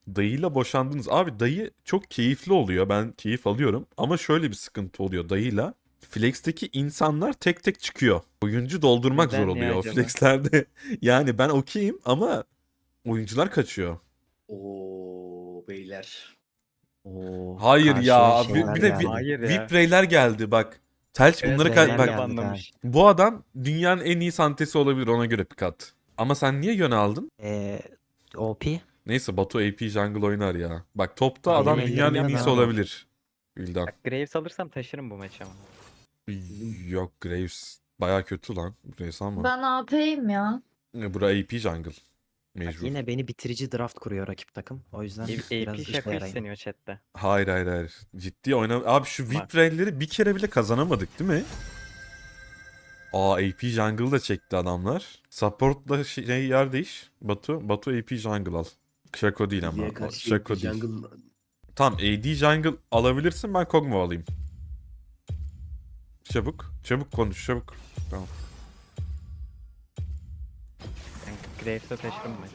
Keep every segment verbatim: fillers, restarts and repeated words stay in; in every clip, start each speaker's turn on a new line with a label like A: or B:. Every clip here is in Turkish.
A: Dayıyla boşandınız. Abi dayı çok keyifli oluyor. Ben keyif alıyorum. Ama şöyle bir sıkıntı oluyor dayıyla. Flex'teki insanlar tek tek çıkıyor. Oyuncu doldurmak zor
B: Neden ya
A: oluyor o
B: acaba?
A: flex'lerde. Yani ben okeyim ama oyuncular kaçıyor.
C: Oo beyler.
D: Oo,
A: Hayır
D: karşıya
A: ya. Bir,
D: şeyler
A: bir de vi-
D: geldi.
B: Hayır
A: V I P
B: ya.
A: reyler geldi bak. Telç
B: Evet,
A: bunları
D: Reyler
A: ka-
B: beyler
A: bak.
B: de
D: geldi
B: banlamış.
A: Bu adam dünyanın en iyi santesi olabilir, ona göre pick at. Ama sen niye yön aldın?
D: Ee, O P.
A: Neyse Batu A P jungle oynar ya. Bak topta
D: Benim
A: adam
B: ellerimden
A: dünyanın en
D: ellerimden
A: iyisi
D: daha da
A: olabilir. Vildan.
B: Bak Graves alırsam taşırım bu maçı ama.
A: Yok Graves baya kötü lan. Graves ama.
E: Ben A P'yim ya.
A: E, Bura A P jungle.
D: Bak,
A: Mecbur.
D: yine beni bitirici draft kuruyor rakip takım. O yüzden
B: A-
D: biraz
B: AP
D: işe
B: şaka
D: yarayın.
B: isteniyor chatte.
A: Hayır hayır hayır. Ciddi oynam. Abi şu V I
B: Bak.
A: P reyleri bir kere bile kazanamadık değil mi? Aa A P jungle da çekti adamlar. Support'la şey yer değiş. Batu. Batu A P jungle al. Shaco değil ama.
C: Diye
A: O
C: karşı
A: Shaco değil.
C: jungle
A: Tamam A D jungle alabilirsin, ben Kog'Maw alayım. Çabuk. Çabuk konuş çabuk. Tamam.
B: Ben Graves'e taşırım bu maçı.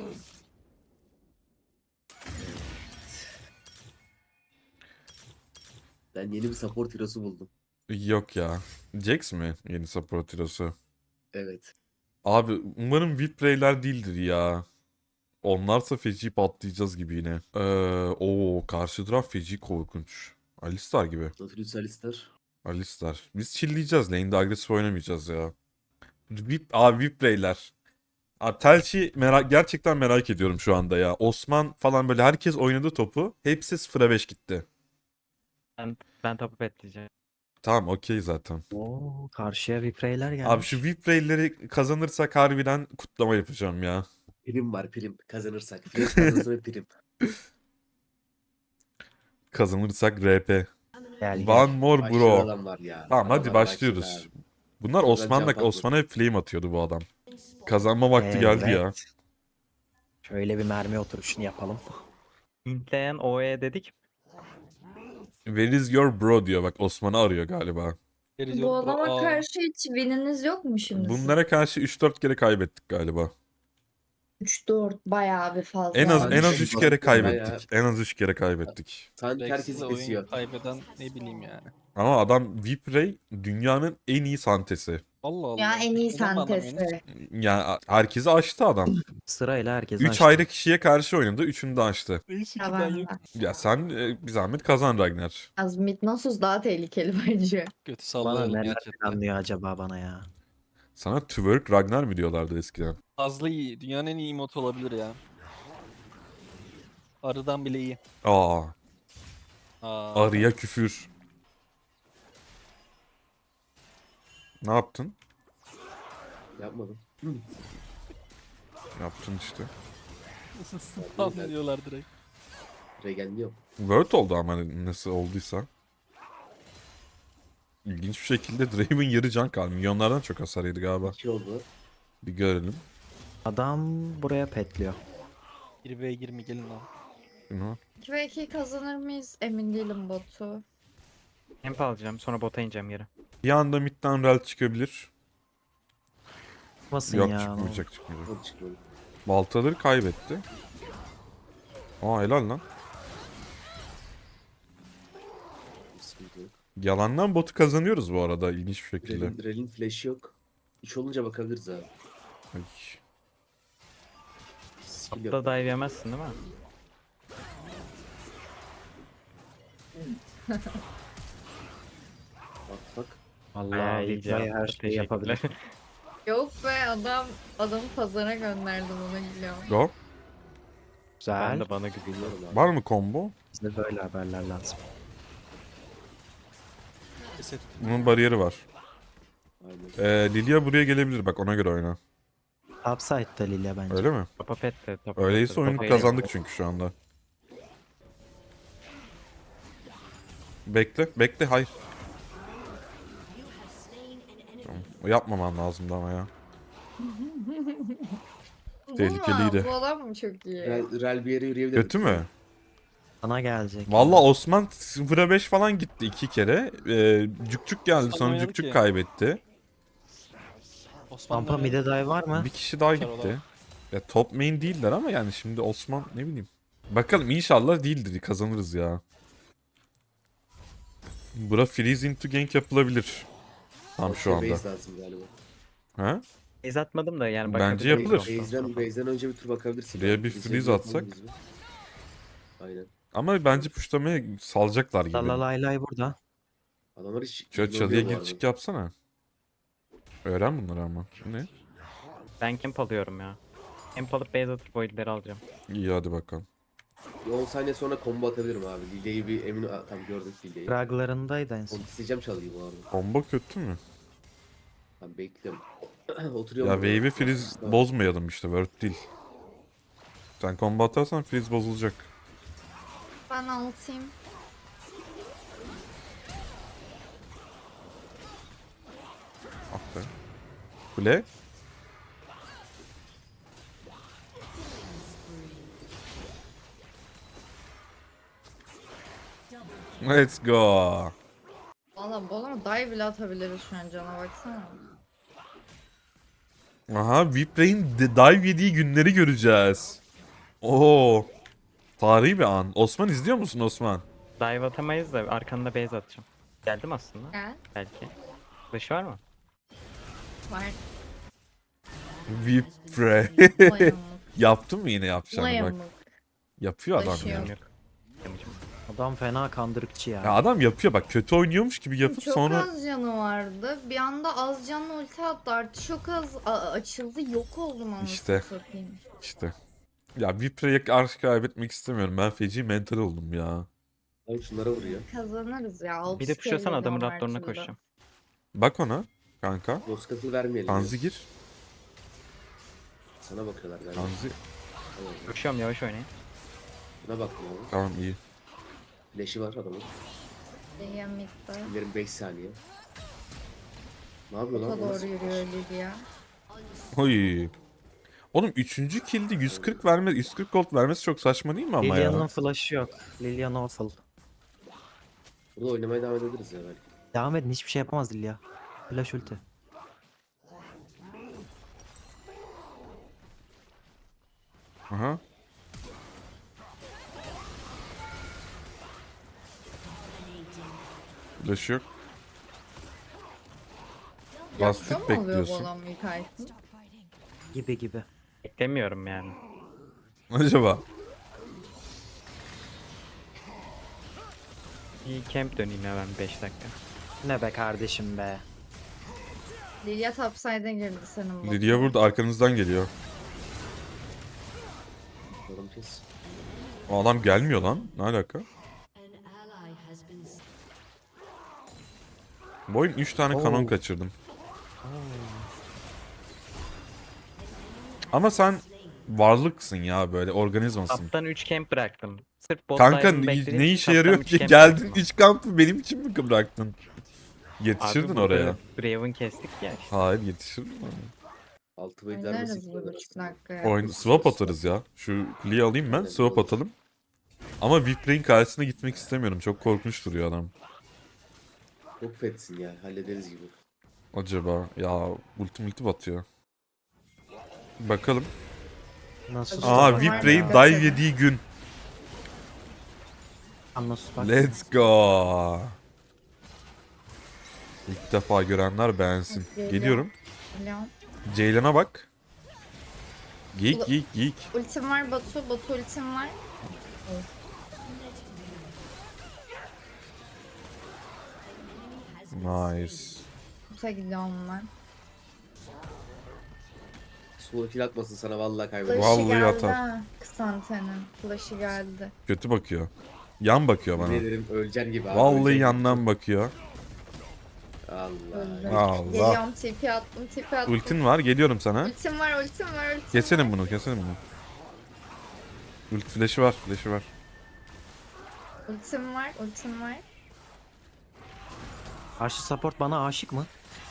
C: ben yeni bir support hero'su buldum.
A: Yok ya. Jax mi yeni support hero'su?
C: Evet.
A: Abi umarım V I P reyler değildir ya. Onlarsa feci patlayacağız gibi yine. Ee, o karşı taraf feci korkunç. Alistar gibi.
C: Nautilus Alistar.
A: Alistar. Biz chillleyeceğiz. Lane'de agresif oynamayacağız ya. V I P, abi V I P reyler. Abi Telçi merak, gerçekten merak ediyorum şu anda ya. Osman falan böyle herkes oynadı topu. Hepsi sıfıra beş gitti.
B: Ben, ben topu bekleyeceğim.
A: Tamam okey zaten.
D: Oo, karşıya vipreyler gelmiş.
A: Abi şu V I P reyleri kazanırsak harbiden kutlama yapacağım ya.
C: Prim var prim. Kazanırsak. Flex kazanırsa ve prim.
A: Kazanırsak R P.
D: Gel gel.
A: One more
C: Aşırı
A: bro.
C: adam var ya.
A: Tamam hadi
C: Adamlar
A: başlıyoruz.
C: aşırı.
A: Bunlar
C: Buradan
A: Osman'la
C: jump atma.
A: Osman'a hep flame atıyordu bu adam. Kazanma vakti geldi ya.
D: Evet. Şöyle bir mermi oturuşunu yapalım.
B: Hintleyen O E dedik.
A: Where is your bro diyor, bak Osman'ı arıyor galiba.
E: Bu adama karşı hiç wininiz yok mu şimdi?
A: Bunlara karşı üç dört kere kaybettik galiba.
E: üç dört bayağı bir fazla.
A: En az
C: Yani
A: en az
C: şey
A: üç kere
C: bayağı-
A: kaybettik. En az üç kere kaybettik.
C: Sanki
F: Rex'le
C: herkesi
F: oyun
C: kesiyor.
F: kaybeden ne bileyim yani.
A: Ama adam V I P Ray dünyanın en iyi santesi.
F: Allah Allah.
E: Ya en iyi
F: Neden banlamıyorsunuz?
E: santesi.
A: Yani herkesi aştı adam.
D: Sırayla herkes
A: Üç
D: açtı.
A: ayrı kişiye karşı oynadı. Üçünü de aştı.
F: Neyse ki
E: Ya
F: ben
E: ben
F: yok.
A: Ya sen e, bir zahmet kazan Ragnar.
E: Az Midnasus daha tehlikeli bence.
F: Kötü
D: Bana
F: sallayalım
D: neler
F: gerçekten.
D: planlıyor acaba bana ya.
A: Sana twerk Ragnar mı diyorlardı eskiden?
F: Fazla iyi. Dünyanın en iyi emote olabilir ya. Arıdan bile iyi.
A: Aa,
F: Aa,
A: arıya küfür. Ne yaptın?
C: Yapmadım.
A: Yaptın işte.
F: nasıl spam ediyorlar direkt.
C: Regen yok.
A: Word oldu ama nasıl olduysa. İlginç bir şekilde Draven yarı can kaldı. Milyonlardan çok hasar yedi galiba.
C: İki oldu.
A: Bir görelim.
D: Adam buraya petliyor.
F: bir ve yirmi gelin lan.
A: Bunu.
E: iki ve iki kazanır mıyız? Emin değilim botu.
B: Hemp alacağım sonra bota ineceğim geri.
A: Bir anda midden rel çıkabilir.
D: Basın
A: Yok
D: ya.
A: çıkmayacak çıkmayacak.
C: Çok çıkmadı.
A: Baltaları kaybetti. Aa helal lan.
C: Sıkıntı yok.
A: Yalandan botu kazanıyoruz bu arada ilginç bir şekilde.
C: Rel'in, Rel'in flash'ı yok. Üç olunca bakabiliriz abi.
A: Ay.
C: Skill yok.
B: Botta dive yemezsin değil mi?
C: Bak bak.
D: Allah
B: Bayağı iyi
D: Viprey her
B: cevaplar,
D: şeyi yapabilir.
B: teşekkürler.
E: Yok be adam adamı pazara gönderdim ona gidiyorum.
A: Go.
D: Güzel.
B: Ben de bana gülüyor.
C: Biliyorum abi.
A: Var mı combo?
D: Bize böyle haberler lazım.
F: Keset.
A: Bunun bariyeri var.
C: Aynen.
A: Ee, Lilia buraya gelebilir bak, ona göre oyna.
D: Topside'da Lilia bence.
A: Öyle mi?
B: Topa pet de. Topa
A: Öyleyse
B: pet de,
A: oyunu
B: topa
A: kazandık çünkü şu anda. Bekle, bekle, hayır. Tamam. Yapmaman lazımdı ama ya. Tehlikeliydi.
E: Bu, bu adam mı çok iyi?
C: Rel, Rel bir yere yürüyebilir.
A: Kötü mü?
D: Sana gelecek.
A: Valla Osman sıfıra beş falan gitti iki kere. Ee, cük geldi,
F: Osman
A: sonra
F: oynadı
A: cük cük
F: ki.
A: kaybetti.
F: Osman
D: Pampa
F: oynadı.
D: mide dive var mı?
A: Bir kişi daha
F: Çar
A: gitti.
F: olarak.
A: Ya top main değiller ama yani şimdi Osman ne bileyim. Bakalım inşallah değildir. Kazanırız ya. Bura freeze into gank yapılabilir. Tam şu
C: Ortaya
A: anda.
C: Base lazım galiba.
A: Ha?
B: Ez atmadım da yani
A: Bence
B: bakabiliriz
A: yapılır.
B: ondan sonra.
C: Base'den, base'den önce bir tur bakabilirsin.
A: Buraya
C: Yani
A: bir
C: freeze
A: freeze
C: yapalım
A: atsak.
C: biz mi? Aynen.
A: Ama bence puşlamaya salacaklar gibi.
D: Lalaylay burada.
C: Adamlar hiç
A: Şöyle
C: ignorluyor
A: çalıya
C: bu
A: gir
C: arada.
A: çık yapsana. Öğren bunları ama. Bu ne?
B: Ben camp alıyorum ya. Camp alıp base atıp voidleri alacağım.
A: İyi hadi bakalım.
C: Bir on saniye sonra combo atabilirim abi. Lily'yi bir emin... Aa, tamam gördük Lily'yi.
D: Raglarındaydı en son.
C: Onu isteyeceğim çalıyı bu arada.
A: Combo kötü mü?
C: Ben bekliyorum. Oturuyorum.
A: Ya
C: burada.
A: wave'i freeze
C: Tamam.
A: bozmayalım işte. Word değil. Sen combo atarsan freeze bozulacak.
E: Ben altayım.
A: Ah be. Kule. Let's go.
E: Valla bu adama dive bile atabiliriz şu an cana baksana.
A: Aha, Vipray'in de- dive yediği günleri göreceğiz. Oo. Tarihi bir an. Osman izliyor musun Osman?
B: Dive atamayız da arkanda base atacağım. Geldim aslında.
E: Gel.
B: Belki. Flash var mı?
E: Var.
A: Vipray.
E: Ulayamık.
A: Yaptın mı yine yapacağını bak.
E: Ulayamık.
A: Yapıyor adam
E: Taşıyor.
A: ya.
B: Yok. Yamacım.
D: Adam fena kandırıkçı ya.
A: Ya adam yapıyor bak, kötü oynuyormuş gibi yapıp
E: Çok
A: sonra
E: az canı vardı. Bir anda az canlı ulti attı. Artı çok az a- açıldı. Yok oldum anasını
A: İşte.
E: satayım.
A: işte. Ya Vipray'e karşı kaybetmek istemiyorum. Ben feci mental oldum ya.
C: Abi şunlara vuruyor.
E: Kazanırız ya. altı
B: Bir de pushlasan
E: kere
B: adamın
E: geliyorum her
B: raptoruna
E: türlü.
B: koşacağım.
A: Bak ona kanka.
C: Roskat'ı vermeyelim. ya.
A: Tanzi gir.
C: Sana bakıyorlar galiba.
A: Tanzi.
C: Tamam.
B: Koşuyorum yavaş oynayın.
C: Buna baktım abi.
A: Tamam iyi.
C: Flash'i var adamın.
E: Yemekte.
C: İlerim beş saniye. Ne yapıyor
E: Ota
C: lan?
E: doğru yürüyor Lilia.
A: Oy. Oğlum üçüncü kill'de yüz kırk verme, yüz kırk gold vermesi çok saçma değil mi ama
D: Lilian'ın
A: ya?
D: flash'ı yok. Lilian awful.
C: Burada oynamaya devam edebiliriz ya belki.
D: Devam edin, hiçbir şey yapamaz Lilia. Flash ulti.
A: Aha. Flash yok. Bastık
E: Yapsa mı oluyor bu
A: bekliyorsun.
E: adam ilk item?
D: Gibi gibi.
B: Beklemiyorum yani.
A: Acaba?
B: Bir camp döneyim hemen beş dakika.
D: Ne be kardeşim be.
E: Lilia topside'e girdi senin bu.
A: Lilia burada arkanızdan geliyor.
C: Yorum kes.
A: O adam gelmiyor lan. Ne alaka? Bu oyun üç tane kanon
D: Oo.
A: kaçırdım. Ama sen varlıksın ya, böyle organizmasın.
B: Taptan üç camp bıraktım. Sırf bot
A: Kanka
B: dive'ını
A: ne,
B: beklediğim
A: ne
B: için
A: işe
B: taptan
A: yarıyor
B: üç
A: ki?
B: camp
A: Geldin
B: bıraktım.
A: üç kampı benim için mi bıraktın? Yetişirdin
B: Abi
A: oraya.
B: burada Draven kestik ya işte.
A: Hayır yetişirdin oraya.
C: Altı wave vermesi
E: Oynarız bir buçuk dakika ya.
A: Oyun swap atarız ya. Şu kuleyi alayım ben,
C: Aynen,
A: swap
C: olur.
A: atalım. Ama Vipray'in karşısına gitmek istemiyorum. Çok korkunç duruyor adam.
C: Çok fetsin ya. Hallederiz gibi.
A: Acaba ya, ulti multi batıyor. Bakalım.
D: Nasıl
E: Aa,
A: Aa,
E: Var
A: Vipray'in
E: ya.
A: dive yediği gün.
D: Anlasız bak.
A: Let's go. İlk defa görenler beğensin.
E: Geliyor.
A: Geliyorum.
E: Biliyorum.
A: Ceylan'a bak. Geek
E: Ulu-
A: geek geek.
E: Ultim var Batu. Batu ultim var.
A: Nice.
E: Kuta gidiyorum ben.
C: Solo kill atmasın sana vallahi
E: Flash'ı
C: kaybeder.
A: Vallahi
E: geldi
A: atar.
E: ha. Kısantenin. Flash'ı geldi.
A: Kötü bakıyor. Yan bakıyor bana.
C: Ne derim öleceksin gibi abi.
A: Vallahi
C: öleceksin
A: yandan
C: gibi.
A: bakıyor.
C: Allah.
E: Öldüm.
A: Allah.
E: Geliyorum T P attım T P attım.
A: Ultin var, geliyorum sana.
E: Ultim var ultim var ultim
A: Keselim
E: var.
A: bunu, keselim bunu. Ulti flash'ı var, flash'ı var.
E: Ultim var ultim var.
D: Karşı support bana aşık mı?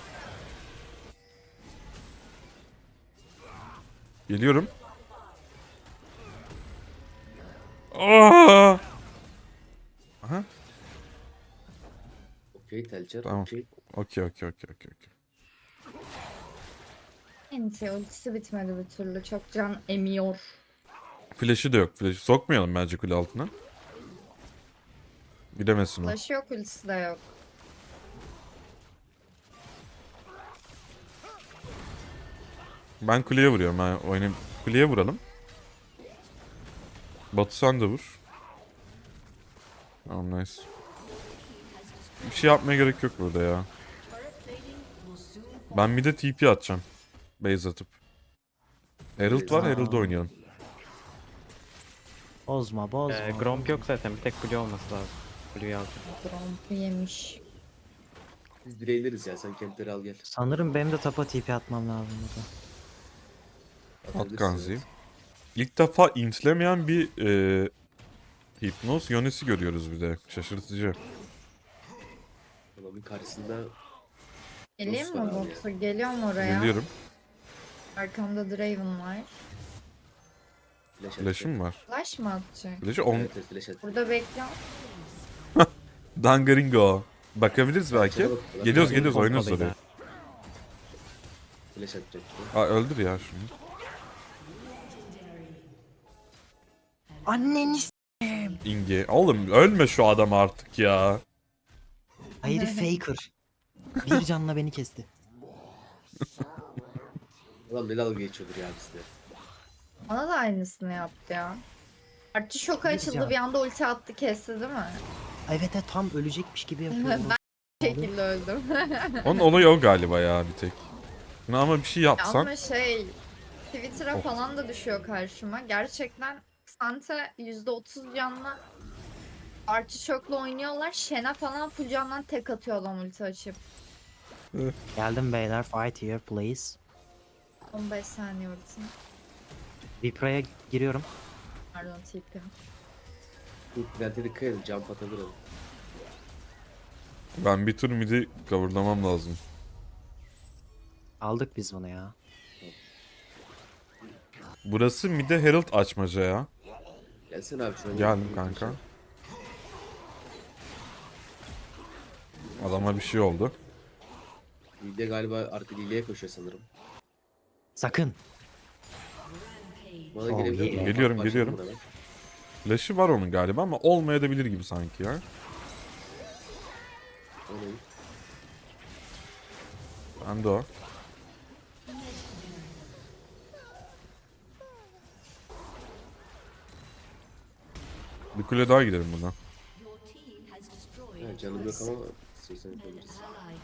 A: Geliyorum. Aa! Aha.
C: Okey Telçer.
A: Tamam.
C: Okey.
A: Okey, okey, okey, okey. okey.
E: Enti ultisi bitmedi bir türlü. Çok can emiyor.
A: Flash'ı da yok. Flash'ı sokmayalım bence kule altına. Gidemesin o.
E: Flash yok, ultisi de yok.
A: Ben kuleye vuruyorum. Ben oynayayım. Kuleye vuralım. Batu sen de vur. Tamam nice. Bir şey yapmaya gerek yok burada ya. Ben bir de T P atacağım. Base atıp. Herald var, Herald'da oynayalım.
D: Bozma bozma.
B: Ee, Gromp yok zaten. Bir tek Blue olması lazım. Blue'yu aldım.
E: Gromp'u yemiş.
C: Biz direyleriz ya, sen kempleri al gel.
D: Sanırım benim de tapa T P atmam lazım burada.
A: At
C: Atabilirsin,
A: Ganzi'yi.
C: evet.
A: İlk defa intlemeyen bir e, Hypnos Yones'i görüyoruz bir de. Şaşırtıcı.
C: Adamın karşısında
E: Geleyim
C: Rus
E: mi
C: var abi
E: Batu? Geliyorum oraya.
A: Geliyorum.
E: Arkamda Draven var.
C: flash
A: Flash'ım var.
E: Flash mı atacak?
A: Flash'ı on...
C: Evet, evet, flash at.
E: Burada bekliyorum.
A: Dangaringo. Bakabiliriz belki.
C: Sana bak-
A: Geliyoruz
C: bak-
A: geliyoruz
B: Pompalı
A: oynuyoruz
B: yine.
A: oraya.
C: Flash atacak.
A: Aa öldür ya şunu.
D: Anneni s-
A: Inge. Oğlum ölme şu adam artık ya.
D: Hayır faker. Bir canla beni kesti.
C: Ulan ne dalga geçiyordur ya bizde.
E: Bana da aynısını yaptı ya. Artçı şoka açıldı,
D: Diyeceğim.
E: bir anda ulti attı, kesti değil mi?
D: Evet evet tam ölecekmiş gibi yapıyorum.
E: Ben bu şekilde öldüm.
A: Onun olayı o galiba ya bir tek. Ne ama bir şey yapsan.
E: Ama şey, Twitter'a
A: Of.
E: falan da düşüyor karşıma. Gerçekten Sante yüzde otuz canla Artçı şokla oynuyorlar. Shen'e falan full candan tek atıyor adam ulti açıp.
D: Geldim beyler fight here please.
E: on beş saniye ulti.
D: Vipra'ya giriyorum.
E: Pardon T P.
C: İlk Plant'e dikkat edin, jump atabilir adam.
A: Ben bir tur midi coverlamam lazım.
D: Aldık biz bunu ya.
A: Burası mide Herald açmaca ya.
C: Gelsene abi şuna.
A: Geldim kanka. Adama bir şey oldu.
C: Lilya galiba arka Lilya'ya koşuyor sanırım.
D: Sakın.
C: Bana
D: Oh,
C: gelebilir
D: yeah.
C: mi?
A: Geliyorum,
C: Başladım
A: geliyorum.
C: buna ben.
A: Flash'ı var onun galiba ama olmayabilir gibi sanki ya.
C: O ne?
A: Ben de o. Bir kule daha gidelim buna.
C: Ha, canım yok ama istiyorsan yapabiliriz.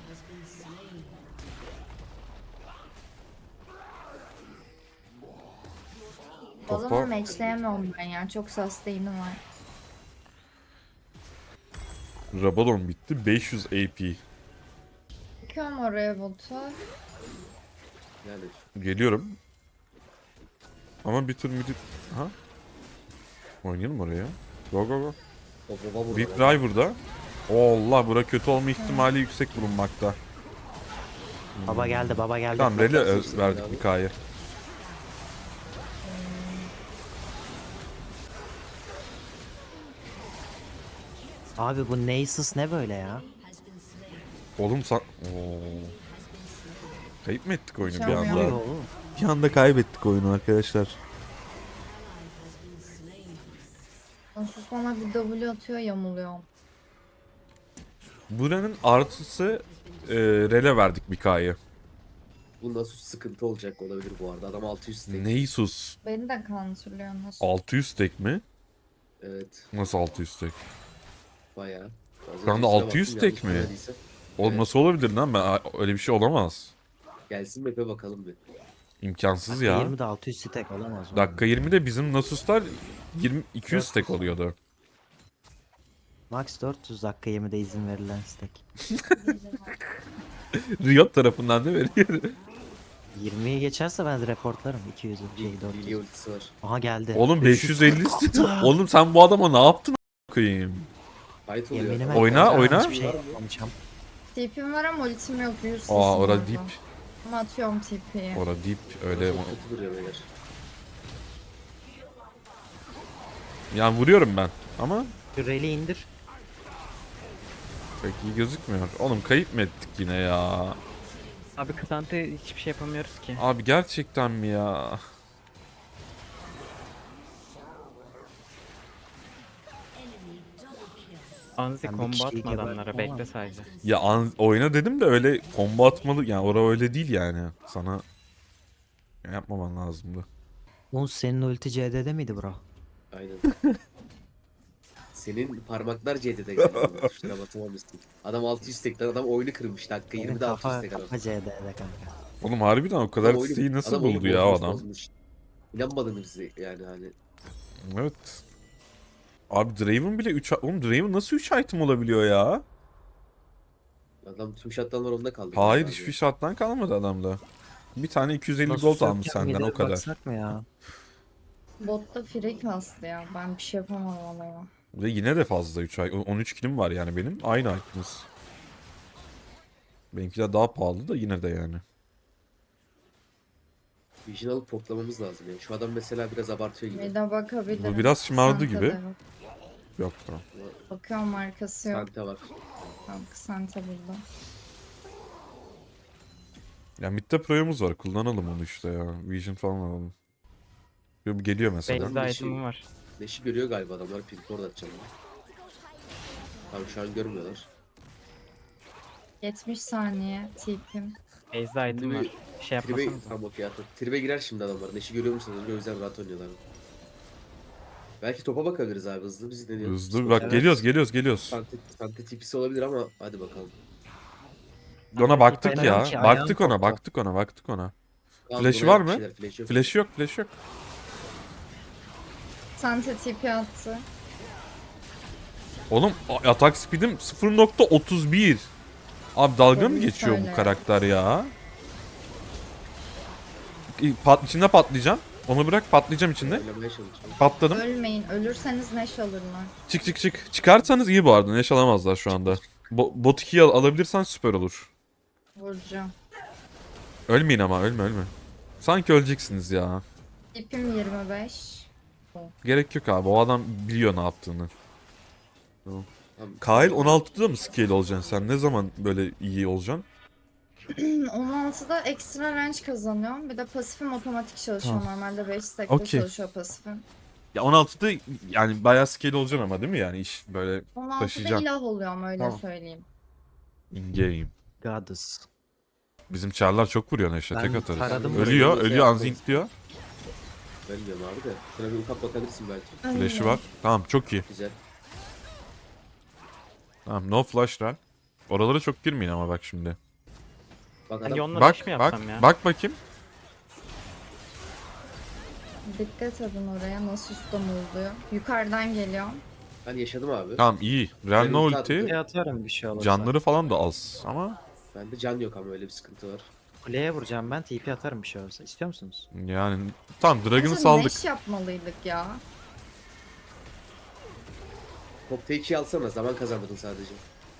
E: O
A: Topa-
E: zaman matchleyemiyorum ben ya. Çok sustain'im var.
A: Rabadon bitti. beş yüz A P.
E: Bakıyorum oraya botu.
C: Yani
A: Geliyorum. Ama bir tur midi... Ha? Oynayalım oraya. Go go go.
C: o baba burada.
A: Big Drive burada. Allah bura kötü olma ihtimali yüksek bulunmakta.
D: Baba geldi baba geldi.
A: Tamam Rele ö-
C: Nasılsın
A: verdik
C: abi?
A: Mika'yı.
D: Abi bu Nasus ne böyle ya?
A: Oğlum sen... Oo. Kayıp mı ettik oyunu bir
E: Çalmıyor.
D: Ne
A: anda?
D: oluyor oğlum?
A: Bir anda kaybettik oyunu arkadaşlar.
E: Onsuz bana bir W atıyor, yamuluyorum.
A: Buranın artısı e, Rele verdik Mika'yı.
C: Bu nasıl sıkıntı olacak olabilir bu arada. Adam altı yüz stack.
A: Neysus.
E: Beni de counterlıyor nasıl?
A: altı yüz tek mi?
C: Evet.
A: Nasıl altı yüz tek?
C: Bayağı. Az
A: Şu anda
C: önce üstüne
A: altı yüz
C: bastım,
A: tek
C: yanlış
A: mi?
C: görmediysem.
A: Oğlum
C: Evet.
A: nasıl olabilir lan? Ben, öyle bir şey olamaz.
C: Gelsin map'e bakalım bir.
A: İmkansız ya.
D: yirmide altı yüz stack olamaz. oğlum.
A: Dakika yirmide bizim Nasus'lar yirmi iki yüz tek oluyordu.
D: Max dört yüz dakika yirmide izin verilen stack.
A: Riot tarafından da veriyor.
D: yirmiyi geçerse ben reportlarım. iki yüz şey
C: Lilya
D: dört yüz.
C: ultisi var.
D: Aha geldi.
A: Oğlum beş yüz elli. Oğlum sen bu adama ne yaptın a- koyayım?
C: Fight oluyor.
D: Yeminime
A: Oyna,
D: koyacağım,
A: oyna.
D: Hiçbir şey yapmayacağım.
E: T P'm var ama ultim yok. Useless'ım
A: Aa ora
E: orada.
A: deep.
E: Ama atıyorum T P'yi.
A: Ora deep öyle.
C: Çok kötü duruyor beyler.
A: Yani vuruyorum ben ama
D: Şu reli indir.
A: pek iyi gözükmüyor. Oğlum kayıp mı ettik yine ya?
B: Abi Kısante hiçbir şey yapamıyoruz ki.
A: Abi gerçekten mi ya?
B: Anzi
D: Ben bir
B: combo
D: kişiyi
B: atma
D: gebertim
B: adamlara
D: ama.
B: bekle sadece.
A: Ya an, oyna dedim de öyle combo atmalı. Yani ora öyle değil yani. Sana yapmaman lazımdı.
D: Oğuz senin ulti C D'de miydi bro?
C: Aynen. Senin parmaklar C D'de galiba. Tuşlara basamamışsın. Adam altı yüz tekten adam oyunu kırmış. Dakika
D: Benim
C: yirmide altı yüz
D: kafa,
C: tek adam.
D: kafa C D'de kanka.
A: Oğlum harbiden o kadar
C: Adam oyunu,
A: siteyi nasıl
C: adam oyunu
A: buldu ya o
C: bozmuş,
A: adam?
C: bozmuş. İnanmadın bize yani hani.
A: Evet. Abi Draven bile üç... Oğlum Draven nasıl üç item olabiliyor ya?
C: Adam tüm shutdownlar onda kaldı.
A: Hayır
C: galiba
A: hiçbir
C: abi.
A: shot'tan kalmadı adamda. Bir tane iki yüz elli
D: Nasıl
A: gold almış
D: sökeceğim
A: senden o
D: gider
A: kadar.
D: baksak mı ya?
E: Botta free kastı ya. Ben bir şey yapamam ona.
A: Ve yine de fazla üç ay. on üç kilim var yani benim. Aynı item'ız. Benimkiler daha pahalı da yine de yani.
C: Vision alıp toplamamız lazım yani. Şu adam mesela biraz abartıyor gibi.
E: Bir de bakabilirim.
A: Bu biraz şımardı
E: Santa
A: gibi.
E: da yok.
A: Yok tamam.
E: Bakıyorum markası yok.
C: Santa var.
E: Tamam, Santa burada.
A: Ya midde pro'yumuz var. Kullanalım onu işte ya. Vision falan alalım. Yo, bu geliyor mesela.
C: Ben
B: Base'de
C: bir şey-
B: item'ım var.
C: Neşi görüyor galiba adamlar. Pink orada atacağım. Tamam şu an görmüyorlar.
E: yetmiş saniye tipim.
B: Base'de item
C: Şimdi
B: var.
C: bir
B: Bir şey
C: Tribe,
B: yapmasanız.
C: tamam okey atın. Tribe girer şimdi adamlar. Neşi görüyor musunuz? O yüzden rahat oynuyorlar. Belki topa bakabiliriz abi hızlı. Biz deniyoruz.
A: Hızlı bak
D: Evet.
A: geliyoruz geliyoruz geliyoruz.
C: Sante, Sante tipisi olabilir ama hadi bakalım.
A: Ona baktık
D: Aynen
A: ya.
D: ki, ayağım
A: Baktık ona
D: koptu.
A: baktık ona baktık ona.
C: Tamam,
A: Flash'ı
C: buraya
A: var
C: bir
A: mı?
C: şeyler, Flash yok.
A: Flash yok flash yok.
E: Santa tipi attı.
A: Oğlum a- atak speed'im sıfır nokta otuz bir. Abi dalga mı
E: Doğruyu
A: geçiyor
E: söyle.
A: bu karakter ya? İ- Pat, içinde patlayacağım. Onu bırak patlayacağım içinde.
C: Oynamaya çalışıyorum.
A: Patladım.
E: Ölmeyin. Ölürseniz neş alırlar.
A: Çık çık çık. Çıkarsanız iyi bu arada. Neş alamazlar şu anda. Bo bot ikiyi al alabilirsen süper olur.
E: Vuracağım.
A: Ölmeyin ama ölme ölme. Sanki öleceksiniz ya.
E: Tipim yirmi beş.
A: Gerek yok abi. O adam biliyor ne yaptığını.
C: Tamam.
A: Kail on altıda mı scale olacaksın sen? Ne zaman böyle iyi olacaksın?
E: on altıda ekstra range kazanıyorum. Bir de pasifim otomatik çalışıyor.
A: Tamam.
E: Normalde beş stack'te
A: Okey.
E: çalışıyor pasifim.
A: Ya on altıda yani bayağı scale olacaksın ama değil mi yani iş böyle
E: on altıda
A: taşıyacağım.
E: ilah oluyorum öyle
A: Tamam.
E: söyleyeyim.
A: in game.
D: Goddess.
A: Bizim çarlar çok vuruyor Neşe
D: Ben
A: tek atarız.
D: taradım
A: Ölüyor,
C: burayı.
A: ölüyor Anzink diyor.
C: Ölmüyorum abi de. Şuna bir ufak bakabilirsin belki.
A: Flash'ı var. Tamam çok iyi.
C: Güzel.
A: Tamam no flash run. Oralara çok girmeyin ama bak şimdi.
C: Bak
B: Ben
C: adam
B: Yon'la
A: Bak
B: dash mi
A: bak
B: yapsam ya?
A: bak bakayım.
E: Dikkat edin oraya nasıl ustam oluyor. Yukarıdan geliyorum.
C: ben yaşadım abi.
A: Tamam iyi. Real
C: Ben
A: no
C: ulti
A: ulti.
D: Kuleye atarım bir şey olursa.
A: Canları falan da az ama
C: Bende can yok ama öyle bir sıkıntı var.
D: Kuleye vuracağım ben T P atarım bir şey olursa. İstiyor musunuz?
A: yani tamam Dragon'ı
E: Bence
A: saldık.
E: neş yapmalıydık ya.
C: Top take'i alsana zaman kazandırdın sadece.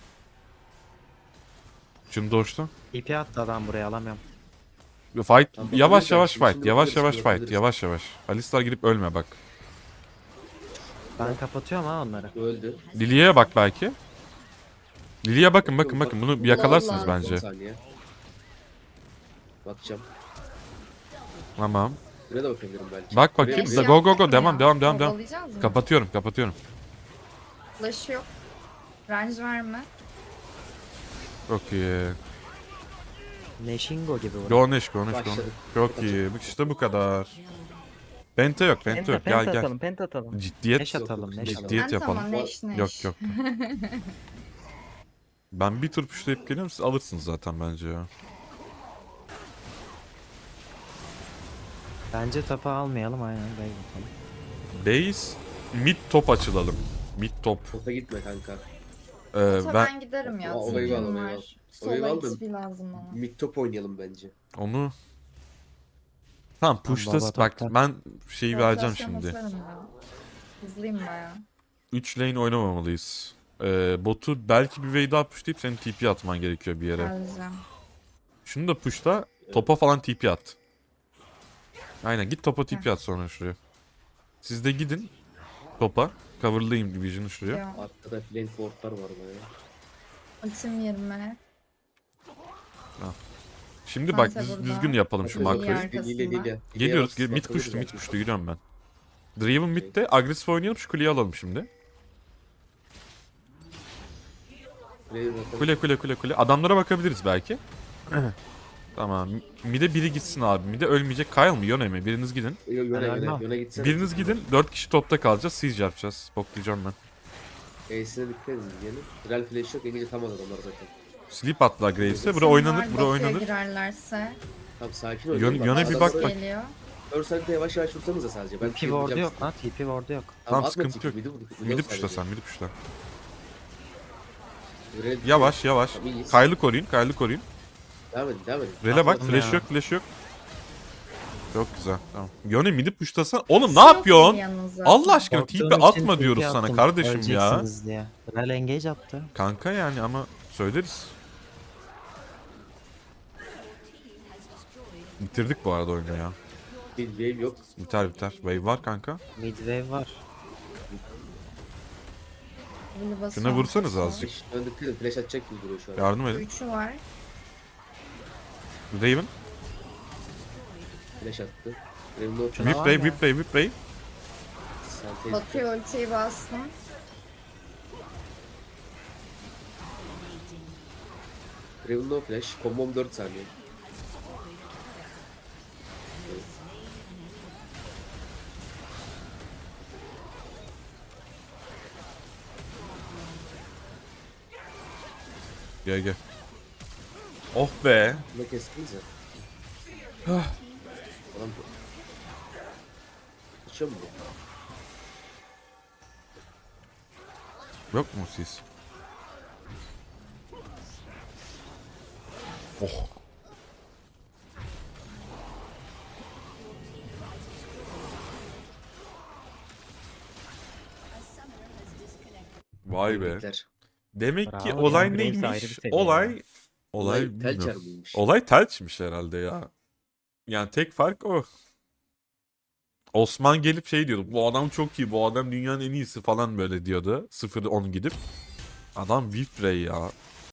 A: Şimdi doştu.
D: T P attı adam buraya alamıyorum.
A: Fight
C: Tamam,
A: yavaş
C: bakabiliriz
A: yavaş
C: abi. Şimdi
A: fight. Yavaş
C: bakabiliriz,
A: yavaş
C: şimdi
A: fight.
C: bakabiliriz.
A: Yavaş yavaş. Alistar girip ölme bak.
D: Ben kapatıyorum ha onları.
C: Bu öldü.
A: Lilia'ya bak belki. Lilia'ya bakın bakın bakın bunu yakalarsınız
E: Vallahi.
C: on
A: bence.
C: saniye. Bakacağım.
A: Tamam.
C: Buraya da bakabilirim belki.
A: Bak
C: Buraya-
A: bakayım.
E: Neş
A: Go, go, go.
E: yaptık mı
A: Devam,
E: ya?
A: devam, devam, devam.
E: Kovalayacağız mı?
A: Kapatıyorum kapatıyorum.
E: Flash yok. Range verme.
A: Çok iyi.
D: Neşingo gibi vur.
A: Go Neş go Neş go.
C: Başladık.
A: Çok iyi. Bak işte bu kadar. Penta yok penta
B: Penta,
A: yok.
B: penta
A: Gel gel.
B: atalım, penta atalım.
A: Ciddiyet.
D: Neş atalım neş atalım.
A: Ciddiyet
E: Ben tamam
A: yapalım.
E: neş neş.
A: Yok yok. Ben bir tur puşlayıp geliyorum siz alırsınız zaten bence ya.
D: Bence tapa almayalım aynen. Bey bakalım.
A: Base mid top açılalım. Mid top.
C: Topa gitme kanka.
A: Ee,
E: Ota
A: ben
E: ben giderim ya.
C: O- olayı al,
E: Tipim
C: olayı al.
E: var.
C: Olayı
E: Sola
C: al da-
E: X P lazım bana.
C: Mid top oynayalım bence.
A: onu tamam push'tas
D: baba
A: bak
D: topta.
A: ben şeyi vereceğim
E: Rotasyon
A: şimdi.
E: basarım ya. Hızlıyım baya.
A: üç lane oynamamalıyız. Ee, botu belki bir wave daha pushlayıp senin T P atman gerekiyor bir yere.
E: Geleceğim.
A: Şunu da pushla topa falan T P at. Aynen git topa T P at sonra şuraya. Siz de gidin topa. Coverlayayım Division'ı şuraya.
E: Yok.
C: Arkada flank wardlar var baya.
E: Ultim yirmi.
A: Şimdi bak
E: Sante
A: düz-
E: burada.
A: düzgün yapalım şu
E: Bakın
A: makroyu.
E: iyi arkasında.
C: Lile Lile.
A: Geliyoruz. Gel, mid push'tu mid push'tu giriyorum ben. Draven mid'de agresif oynayalım şu kuleyi alalım şimdi.
C: Kuleyi zaten-
A: Kule kule kule kule. Adamlara bakabiliriz belki. Tamam. Mide biri gitsin abi. Mide ölmeyecek. Kyle mı? Yone mi? Biriniz gidin.
C: Yo- Yöne
D: Helal
C: yöne
D: olsun.
C: yöne gitsene.
A: Biriniz gidin. Dört kişi topta kalacağız. Siege yapacağız. Boklayacağım ben.
C: Ace'ine dikkat edin yani. Real flash yok. Engage atamaz adamlar zaten.
A: Sleep attılar Graves'e. Bura
E: Var,
A: oynanır. Bura
E: Batu'ya
A: oynanır.
E: girerlerse.
C: Tamam sakin ol.
A: Yöne- Yöne bir bak bak.
E: Geliyor.
C: Örsel'de yavaş yavaş vursanıza sadece. Ben
D: T P ward'u yok lan. T P ward'u yok.
A: Tamam,
C: atma
A: sıkıntı
C: tipi,
A: yok.
C: midi vur-
A: Midi
C: vur
A: puşla
C: sadece.
A: sen. Midi puşla.
C: Real-
A: Yavaş yavaş.
C: Tamam, iyiyiz.
A: Kyle'ı koruyun. Kyle'ı koruyun.
C: Devam edin devam edin.
A: Rel'e bak.
D: Atladım
A: Flash
D: ya.
A: yok. Flash yok. Çok güzel. Tamam. Yone midi puşlasan. Oğlum ne
E: Yok
A: yapıyorsun?
E: yanınızda.
A: Allah aşkına
D: Korktuğum
A: tipi
D: için
A: atma
D: T P
A: diyoruz sana
D: attım,
A: kardeşim ya.
D: öleceksiniz diye. Rel engage attı.
A: Kanka yani ama söyleriz. Bitirdik bu arada oyunu ya.
C: Bir wave yok.
A: Biter biter. Wave var kanka.
D: Mid wave var.
E: Bunu basıyor
A: Şuna vursanız
E: musun?
A: azıcık.
C: Flash, ön dikkat edin. Flash atacak gibi duruyor şu an.
A: Yardım edin.
E: Üçü var.
A: Raven.
C: Flash attı. Raven'ın o
D: Şuna
A: Whip
D: var
A: Ray,
D: ya.
A: Whip Ray, Whip Ray.
C: Sentez.
E: Batu'ya ultiyi bastım.
C: Raven'ın o flash. Kombom dört saniye.
A: Gel gel. Oh be.
C: Bunu kestiniz ya. Adam bu. Kaçıyor mu bu?
A: Yok mu siz? Oh. Vay be.
C: Tebrikler.
A: Demek ki
B: Bravo,
A: olay
B: yani Graves ayrı bir
A: neymiş?
B: seviye
A: Olay olay
C: Olay tel
A: bilmiyorum.
C: çarmıymış.
A: Olay telçmiş herhalde ya. Yani tek fark o. Osman gelip şey diyordu. Bu adam çok iyi. Bu adam dünyanın en iyisi falan böyle diyordu. sıfır on gidip. Adam Whip Ray ya.